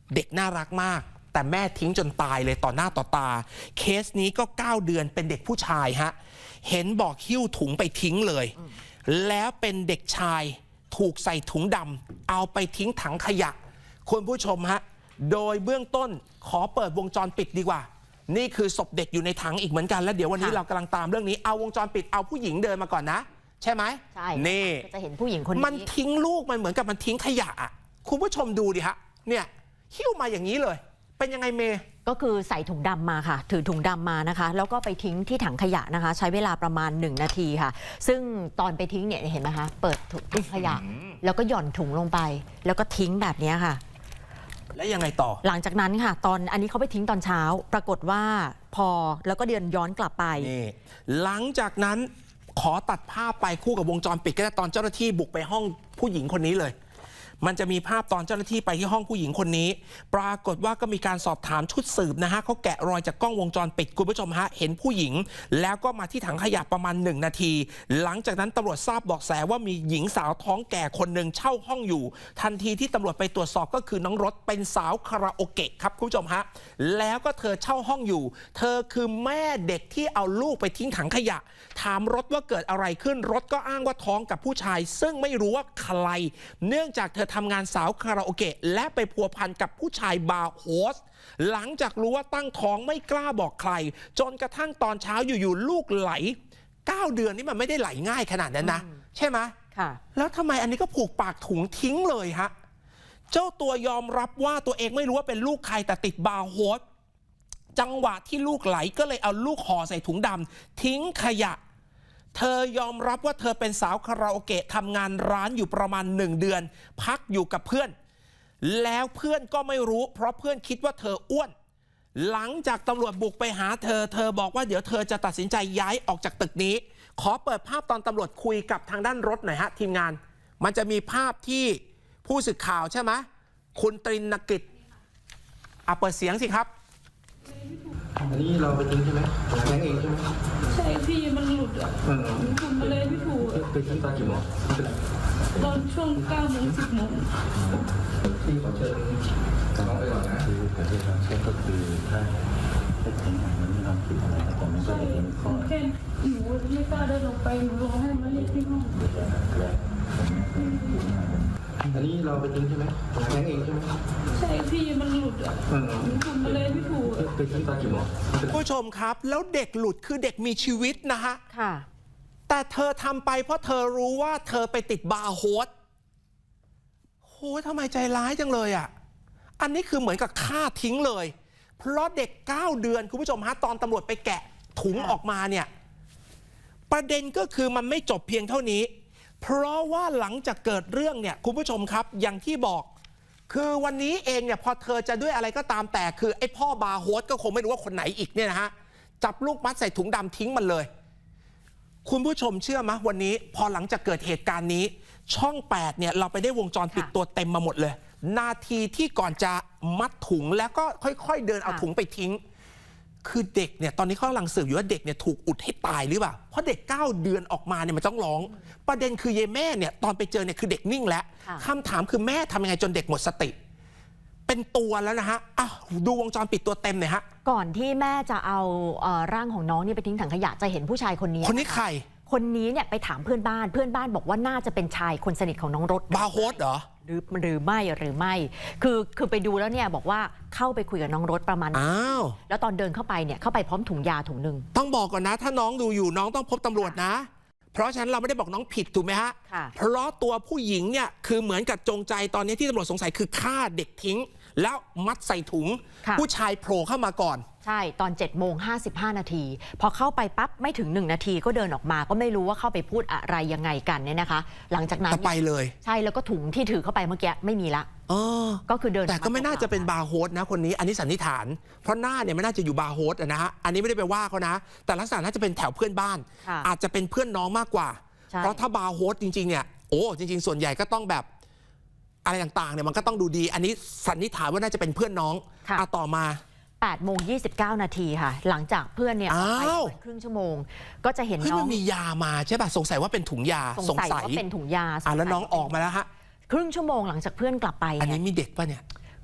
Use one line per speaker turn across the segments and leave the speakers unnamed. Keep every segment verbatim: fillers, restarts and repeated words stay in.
เด็กน่ารักมากแต่แม่ทิ้งจนตายเลยต่อหน้าต่อตาเคสนี้ก็เก้าเดือนเป็นเด็กผู้ชายฮะเห็นบอกหิ้วถุงไปทิ้งเลยแล้วเป็นเด็กชายถูกใส่ถุงดำเอาไปทิ้งถังขยะคุณผู้ชมฮะโดยเบื้องต้นขอเปิดวงจรปิดดีกว่านี่คือศพเด็กอยู่ในถังอีกเหมือนกันแล้วเดี๋ยววันนี้เรากำลังตามเรื่องนี้เอาวงจรปิดเอาผู้หญิงเดินมาก่อนนะใช่ไหม
ใช่
นี่
จะเห็นผู้หญิงคนนี้
มันทิ้งลูกมันเหมือนกับมันทิ้งขยะคุณผู้ชมดูดิฮะเนี่ยหิ้วมาอย่างนี้เลยเป็นยังไงเมย์
ก็คือใส่ถุงดำมาค่ะถือถุงดำมานะคะแล้วก็ไปทิ้งที่ถังขยะนะคะใช้เวลาประมาณหนึ่งนาทีค่ะซึ่งตอนไปทิ้งเนี่ยเห็นไหมคะเปิดถุงขยะแล้วก็หย่อนถุงลงไปแล้วก็ทิ้งแบบนี้ค่ะ
แล้วยังไงต่อ
หลังจากนั้นค่ะตอนอันนี้เขาไปทิ้งตอนเช้าปรากฏว่าพอแล้วก็เดินย้อนกลับไป
นี่หลังจากนั้นขอตัดภาพไปคู่กับวงจรปิดก็ได้ตอนเจ้าหน้าที่บุกไปห้องผู้หญิงคนนี้เลยมันจะมีภาพตอนเจ้าหน้าที่ไปที่ห้องผู้หญิงคนนี้ปรากฏว่าก็มีการสอบถามชุดสืบนะฮะเขาแกะรอยจากกล้องวงจรปิดคุณผู้ชมฮะเห็นผู้หญิงแล้วก็มาที่ถังขยะประมาณหนึ่งนาทีหลังจากนั้นตำรวจทราบเบาะแสว่ามีหญิงสาวท้องแก่คนหนึ่งเช่าห้องอยู่ทันทีที่ตำรวจไปตรวจสอบก็คือน้องรถเป็นสาวคาราโอเกะครับคุณผู้ชมฮะแล้วก็เธอเช่าห้องอยู่เธอคือแม่เด็กที่เอาลูกไปทิ้งถังขยะถามรถว่าเกิดอะไรขึ้นรถก็อ้างว่าท้องกับผู้ชายซึ่งไม่รู้ว่าใครเนื่องจากเธอทำงานสาวคาราโอเกะและไปพัวพันกับผู้ชายบาร์โฮสหลังจากรู้ว่าตั้งท้องไม่กล้าบอกใครจนกระทั่งตอนเช้าอยู่ๆลูกไหลเก้าเดือนนี่มันไม่ได้ไหลง่ายขนาดนั้นนะใช่ไหมค่ะแล้วทำไมอันนี้ก็ผูกปากถุงทิ้งเลยฮะเจ้าตัวยอมรับว่าตัวเองไม่รู้ว่าเป็นลูกใครแต่ติดบาร์โฮสจังหวะที่ลูกไหลก็เลยเอาลูกห่อใส่ถุงดำทิ้งขยะเธอยอมรับว่าเธอเป็นสาวคาราโอเกะทำงานร้านอยู่ประมาณหนึ่งเดือนพักอยู่กับเพื่อนแล้วเพื่อนก็ไม่รู้เพราะเพื่อนคิดว่าเธออ้วนหลังจากตำรวจบุกไปหาเธอเธอบอกว่าเดี๋ยวเธอจะตัดสินใจย้ายออกจากตึกนี้ขอเปิดภาพตอนตำรวจคุยกับทางด้านรถหน่อยฮะทีมงานมันจะมีภาพที่ผู้สื่อข่าวใช่ไหมคุณตรินกิจอ่ะเปิดเสียงสิครับ
อันนี้เราไปทิ้งใช่ไหมแท้งเองใช่ไหม
ใช่พี่มันหลุดอ่ะทำอะไรไม่ถูก
ไปทิ้งตอนกี่โมง
ตอนช่วงเก้าโมงสิบโมง
ที่ขอเชิญน้องไปก่อนนะคือการที่ทำเช็คก็คือถ้าถ้าทิ้งมันไม่ทำผิดอะไรแต่มันก็จะเป็นข้อ
แค่หนูไม่กล้าเดินลงไปหนูร้องให้มาเรียกที่ห้อง
อันนี้เราไปทิ้งใช่ไหมแท้งเองใช่ไหม
ใช่พี่มันหลุดอ่ะทำอะไรไม่ถูก
ไปทิ้งตอนกี่โมง
ผู้ชมครับแล้วเด็กหลุดคือเด็กมีชีวิตนะฮะ
ค่ะ
แต่เธอทำไปเพราะเธอรู้ว่าเธอไปติดบาร์โฮสโหทำไมใจร้ายจังเลยอ่ะอันนี้คือเหมือนกับฆ่าทิ้งเลยเพราะเด็กเก้าเดือนคุณผู้ชมฮะตอนตำรวจไปแกะถุงออกมาเนี่ยประเด็นก็คือมันไม่จบเพียงเท่านี้เพราะว่าหลังจากเกิดเรื่องเนี่ยคุณผู้ชมครับอย่างที่บอกคือวันนี้เองเนี่ยพอเธอจะด้วยอะไรก็ตามแต่คือไอ้พ่อบาร์โฮสก็คงไม่รู้ว่าคนไหนอีกเนี่ยนะฮะจับลูกมัดใส่ถุงดำทิ้งมันเลยคุณผู้ชมเชื่อไหมวันนี้พอหลังจากเกิดเหตุการณ์นี้ช่องแปดเนี่ยเราไปได้วงจรปิดตัวเต็มมาหมดเลยนาทีที่ก่อนจะมัดถุงแล้วก็ค่อยๆเดินเอาถุงไปทิ้งคือเด็กเนี่ยตอนนี้เขากำลังสืบอยู่ว่าเด็กเนี่ยถูกอุดให้ตายหรือเปล่าเพราะเด็กเก้าเดือนออกมาเนี่ยมันต้องร้องประเด็นคือเยแม่เนี่ยตอนไปเจอเนี่ยคือเด็กนิ่งแล้วคำถามคือแม่ทำยังไงจนเด็กหมดสติเป็นตัวแล้วนะฮะอ่ะดูวงจรปิดตัวเต็มหน่อยฮะ
ก่อนที่แม่จะเอาเอ่อร่างของน้องนี่ไปทิ้งถังขยะจะเห็นผู้ชายคนนี้
คนนี้ใคร
คนนี้เนี่ยไปถามเพื่อนบ้านเพื่อนบ้านบอกว่าน่าจะเป็นชายคนสนิทของน้องรถ
บาร์โฮสเหรอ
หรือหรือไม่หรือไม่คือคือไปดูแล้วเนี่ยบอกว่าเข้าไปคุยกับน้องรถประมาณ
อ้าว
แล้วตอนเดินเข้าไปเนี่ยเข้าไปพร้อมถุงยาถุงหนึ่ง
ต้องบอกก่อนนะถ้าน้องดูอยู่น้องต้องพบตำรวจนะเพราะฉะนั้นเราไม่ได้บอกน้องผิดถูกไหมฮะเพราะตัวผู้หญิงเนี่ยคือเหมือนกับจงใจตอนนี้ที่ตำรวจสงสัยคือฆ่าเด็กทิ้งแล้วมัดใส่ถุงผู้ชายโผล่เข้ามาก่อน
ใช่ตอนเจ็ดโมงห้าสิบห้านาทีพอเข้าไปปั๊บไม่ถึงหนึ่งนาทีก็เดินออกมาก็ไม่รู้ว่าเข้าไปพูดอะไรยังไงกันเนี่ยนะคะหลังจากนั้น
ไปเลย
ใช่แล้วก็ถุงที่ถือเข้าไปเมื่อกี้ไม่มีละก็คือเดิน
แต่ก็ไม่น่าจะเป็นบาร์โฮสนะคนนี้อันนี้สันนิษฐานเพราะหน้าเนี่ยไม่น่าจะอยู่บาร์โฮสนะฮะอันนี้ไม่ได้ไปว่าเขานะแต่ลักษณะน่าจะเป็นแถวเพื่อนบ้านอาจจะเป็นเพื่อนน้องมากกว่าเพราะถ้าบาร์โฮสจริงๆเนี่ยโอ้จริงๆส่วนใหญ่ก็ต้องแบบอะไรต่างๆเนี่ยมันก็ต้องดูดีอันนี้สันนิษฐานว่าน่าจะเป็นเพื่อนน้องเอาต่อมา
แปดโมงยี่สิบเก้านาทีค่ะหลังจากเพื่อนเนี่ยไปครึ่งชั่วโมงก็จะเห็นน้อง
มียามาใช่ป่ะสงสัยว่าเป็นถุงยา
สงสัยว่าเป็นถุงยา
อ่ะแล้วน้องออกมาแล้วฮะ
ครึ่งชั่วโมงหลังจากเพื่อนกลับไป
อันนี้มีเด็กป่ะเนี่ย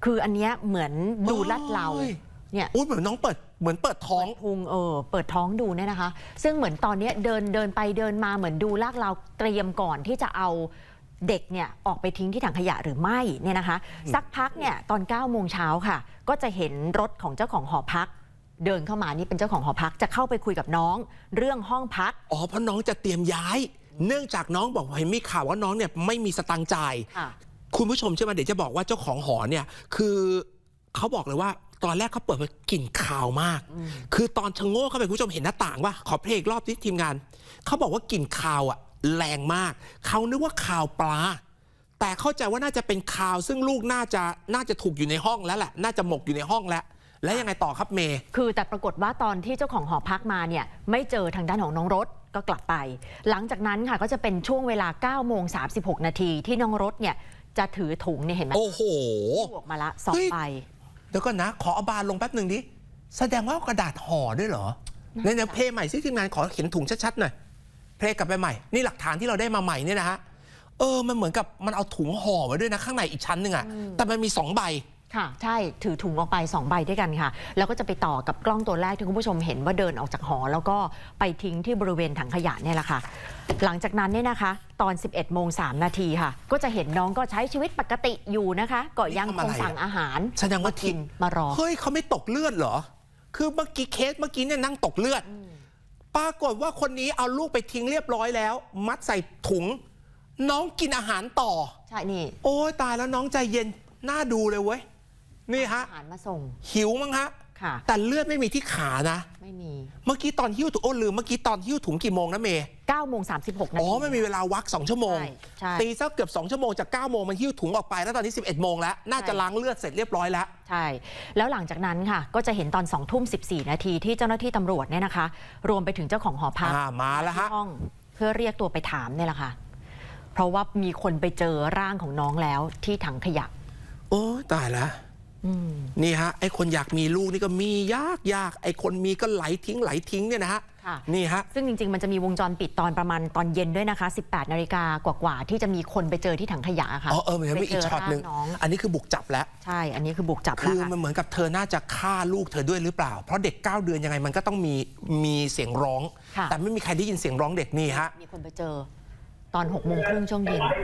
คืออันเนี้ยเหมือนดูลาดเรา
โอ้ย
เนี่ย
อุ้ยเหมือนน้องเปิดเหมือนเปิดท้อง
พุงเออเปิดท้องดูเนี่ยนะคะ ซึ่งเหมือนตอนเนี้ยเดินเดินไปเดินมาเหมือนดูลากเราเตรียมก่อนที่จะเอาเด็กเนี่ยออกไปทิ้งที่ถังขยะหรือไม่เนี่ยนะคะ สักพักเนี่ยตอนเก้าโมงเช้าค่ะ ก็จะเห็นรถของเจ้าของหอพัก เดินเข้ามานี่เป็นเจ้าของหอพักจะเข้าไปคุยกับน้องเรื่องห้องพัก
อ๋อเพราะน้องจะเตรียมย้าย เนื่องจากน้องบอกว่าเห็นมีข่าวว่าน้องเนี่ยไม่มีสตังค์จ่าย
ค่ะ
คุณผู้ชมใช่ไหมเดี๋ยวจะบอกว่าเจ้าของหอเนี่ยคือเขาบอกเลยว่าตอนแรกเขาเปิดมากลิ่นคาวมาก คือตอนชะโง่เข้าไปคุณผู้ชมเห็นหน้าต่างว่าขอเพลงอีกรอบที่ทีมงานเขาบอกว่ากลิ่นคาวอ่ะแรงมากเขานึกว่าคาวปลา แต่เข้าใจว่าน่าจะเป็นคาวซึ่งลูกน่าจะน่าจะถูกอยู่ในห้องแล้วแหละน่าจะหมกอยู่ในห้องแล้ว แล้วยังไงต่อครับเมย์
คือแต่ปรากฏว่าตอนที่เจ้าของหอพักมาเนี่ยไม่เจอทางด้านของน้องรถก็กลับไป หลังจากนั้นค่ะก็จะเป็นช่วงเวลาเก้าโมงสามสิบหกนาทีที่น้องรถเนี่ยจะถือถุงเนี่ยเห็นไหม
โอ้โห
ออกมาละสอง
เฮ้ย
ใบ
เดี๋ยวก่อนนะ ขอเอาบานลงแป๊บหนึ่งดิ แสดงว่าเอากระดาษห่อด้วยเหรอในเดี๋ยวเพลย์ใหม่ซิทีมงานขอเขียนถุงชัดๆหน่อย เพลย์กลับไปใหม่ นี่หลักฐานที่เราได้มาใหม่เนี่ยนะฮะ เออ มันเหมือนกับมันเอาถุงห่อไว้ด้วยนะข้างในอีกชั้นหนึ่งอะแต่มันมีสองใบ
ค่ะใช่ถือถุงออกไปสองใบด้วยกันค่ะ แล้วก็จะไปต่อกับกล้องตัวแรกที่คุณผู้ชมเห็นว่าเดินออกจากหอแล้วก็ไปทิ้งที่บริเวณถังขยะเนี่ยแหละค่ะ หลังจากนั้นเนี่ยนะคะ ตอน สิบเอ็ดโมงสามนาทีค่ะ ก็จะเห็นน้องก็ใช้ชีวิตปกติอยู่นะคะ ก็ยังคงสั่งอาหาร
แสดงว่า
กินมารอ
เฮ้ยเขาไม่ตกเลือดเหรอ คือเมื่อกี้เคสเมื่อกี้เนี่ยนั่งตกเลือด ปรากฏว่าคนนี้เอาลูกไปทิ้งเรียบร้อยแล้ว มัดใส่ถุง น้องกินอาหารต่อ
ใช่นี่
โอ้ยตายแล้วน้องใจเย็นน่าดูเลยเว้ย นี่ฮะ
อาหารมาส่ง
หิวมั้งฮะ
ค่ะ
แต่เลือดไม่มีที่ขานะ
ไม่มี
เมื่อกี้ตอนหิ้วถุงโอ้ลืมเมื่อกี้ตอนหิ้วถุงกี่โมงนะเมย์
เก้าโมงสามสิบหกนาที
อ๋อไม่มีเวลาวักสองชั่วโมง
ใช่ใช่
ตีสักเกือบสองชั่วโมงจากเก้าโมงมันหิ้วถุงออกไปแล้วตอนนี้สิบเอ็ดโมงแล้วน่าจะล้างเลือดเสร็จเรียบร้อยแล้ว
ใช่ แล้วหลังจากนั้นค่ะ ก็จะเห็นตอนสองทุ่มสิบสี่นาทีที่เจ้าหน้าที่ตำรวจเนี่ยนะคะ รวมไปถึงเจ้าของหอพัก
อ่ามาแล้วฮะ
ที่ห้องเพื่อเรียกตัวไปถามเนี่ยแหละค่ะ เพราะว่ามีคนไปเจอร่างของน้องแล้วที่ถังขยะ
โอ้ตายแล้ว
อืม
นี่ฮะไอ้คนอยากมีลูกนี่ก็มียากยากไอ้คนมีก็ไหลทิ้งไหลทิ้งเนี่ยนะฮะ
ค่ะ
นี่ฮะ
ซึ่งจริงๆ มันจะมีวงจรปิดตอนประมาณตอนเย็นด้วยนะคะ สิบแปดนาฬิกากว่าๆที่จะมีคนไปเจอที่ถังขยะค่ะ
อ๋อเออมันยังมีอีกช็อตหนึ่ง
ไปเจร่าน้อง
อันนี้คือบุกจับแล้ว
ใช่ อันนี้คือบุกจับ
คื
แล้ว
อ
ค่ะ
มันเหมือนกับเธอน่าจะฆ่าลูกเธอด้วยหรือเปล่า เพราะเด็กเก้าเดือนยังไงมันก็ต้องมีมีเสียงร้อง
ค่ะ
แต่ไม่มีใครได้ยินเสียงร้องเด็กนี่ฮะ
มีคนไปเจอตอนหกโมงครึ่งช่วงเย็น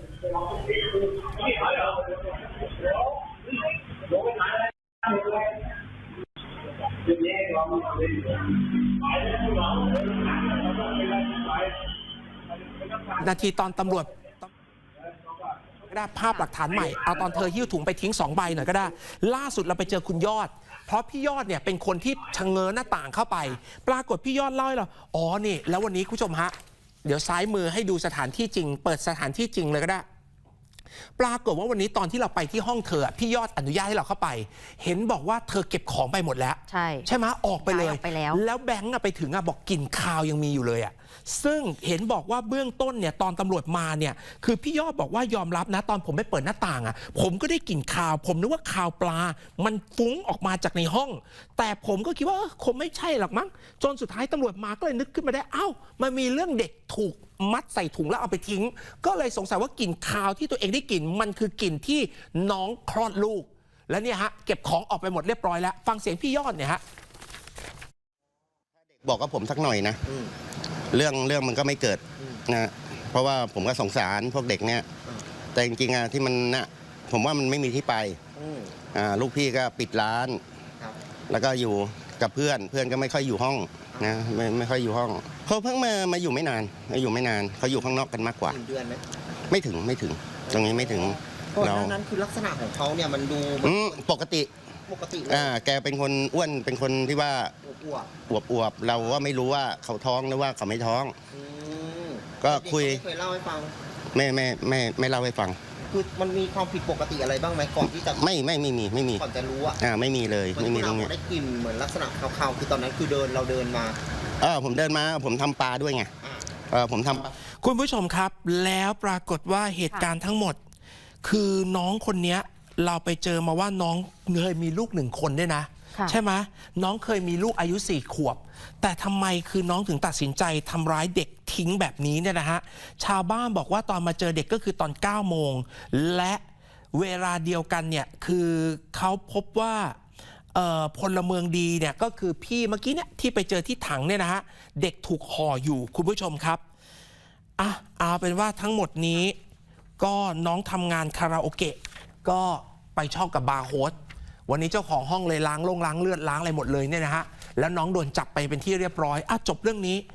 นาทีตอนตำรวจก็ได้ภาพหลักฐานใหม่เอาตอนเธอหิ้วถุงไปทิ้งสองใบหน่อยก็ได้ ล่าสุดเราไปเจอคุณยอด เพราะพี่ยอดเนี่ยเป็นคนที่ชะเง้อหน้าต่างเข้าไป ปรากฏพี่ยอดเล่าให้เราอ๋อนี่แล้ววันนี้คุณผู้ชมฮะเดี๋ยวซ้ายมือให้ดูสถานที่จริง เปิดสถานที่จริงเลยก็ได้ ปรากฏว่าวันนี้ตอนที่เราไปที่ห้องเธอพี่ยอดอนุญาตให้เราเข้าไป เห็นบอกว่าเธอเก็บของไปหมดแล้ว
ใช่
ใช่ไหมออกไปเลย
ย้ายออกไปแล้ว
แล้วแบงค์อะไปถึงอะบอกกลิ่นคาวยังมีอยู่เลยอะซึ่งเห็นบอกว่าเบื้องต้นเนี่ยตอนตำรวจมาเนี่ยคือพี่ยอดบอกว่ายอมรับนะตอนผมไปเปิดหน้าต่างอะผมก็ได้กลิ่นคาว ผมนึกว่าคาวปลา มันฟุ้งออกมาจากในห้อง แต่ผมก็คิดว่าเออคงไม่ใช่หรอกมั้งจนสุดท้ายตำรวจมาก็เลยนึกขึ้นมาได้เอ้ามันมีเรื่องเด็กถูกมัดใส่ถุงแล้วเอาไปทิ้ง ก็เลยสงสัยว่ากลิ่นคาวที่ตัวเองได้กลิ่นมันคือกลิ่นที่น้องคลอดลูก แล้วเนี่ยฮะเก็บของออกไปหมดเรียบร้อยแล้วฟังเสียงพี่ยอดเนี่ยฮะ
บอกกับผมสักหน่อยนะเรื่องเรื่องมันก็ไม่เกิดนะเพราะว่าผมก็สงสารพวกเด็กเนี่ยแต่จริงๆอะที่มันนะผมว่ามันไม่มีที่ไปอ่าลูกพี่ก็ปิดร้าน แล้วก็อยู่กับเพื่อนเพื่อนก็ไม่ค่อยอยู่ห้องนะไม่ไม่ค่อยอยู่ห้องเขาเพิ่งมามาอยู่ไม่นานมาอยู่ไม่นานเขาอยู่ข้างนอกกันมากกว่า
หนึ่งเดือนไหม
ไม่ถึงไม่ถึง ตรงนี้ไม่ถึง
ก่อนห
เรา
น้านั้นคือลักษณะของเขาเนี่ยมันดู
อืมปกติ
ปกติเลย
อ่าแกเป็นคนอ้วนเป็นคนที่ว่า
อ้วก
อวบอวบๆเราก็ไม่รู้ว่าเขาท้องหรือว่าเขาไม่ท้อง
ๆอืม
ก็คุย
เด็เขาไม่เคยเล่าให้ฟัง
ไม่ไม่ไม่ไม่เล่าให้ฟัง
คือมันมีความผิดปกติอะไรบ้างไหมก่อนที่จะ
ไม่ไม่ไม่มีไม่มี
ก่อนจะรู้อะ
อ่าไม่มีเลย
เหมือน
ไม่มี
ที่
ตร
เรา
ง
บ
นี้
อกได้กลิ่นเหมือนลักษณะคาวๆคือตอนนั้นคือเดินเราเดินมา
เออผมเดินมาผมทำปลาด้วยไง
อ่า
เออผมทำปลา
คุณผู้ชมครับแล้วปรากฏว่าเหตุการณ์ทั้งหมด คือน้องคนเนี้ยเราไปเจอมาว่าน้องเคยมีลูกหนึ่งคนด้วยนะ
ค่ะ
ใช่ไหมน้องเคยมีลูกอายุสี่ขวบ แต่ทำไมคือน้องถึงตัดสินใจทำร้ายเด็กทิ้งแบบนี้เนี่ยนะฮะชาวบ้านบอกว่าตอนมาเจอเด็กก็คือตอนเก้าโมงและเวลาเดียวกันเนี่ยคือเขาพบว่าเอ่อพลเมืองดีเนี่ยก็คือพี่เมื่อกี้เนี่ยที่ไปเจอที่ถังเนี่ยนะฮะเด็กถูกห่ออยู่คุณผู้ชมครับอ่ะเอาเป็นว่าทั้งหมดนี้ก็น้องทำงานคาราโอเกะก็ไปชอบกับบาร์โฮสวันนี้เจ้าของห้องเลยล้างลงล้างเลือดล้างอะไรหมดเลยเนี่ยนะฮะแล้วน้องโดนจับไปเป็นที่เรียบร้อยอ่ะจบเรื่องนี้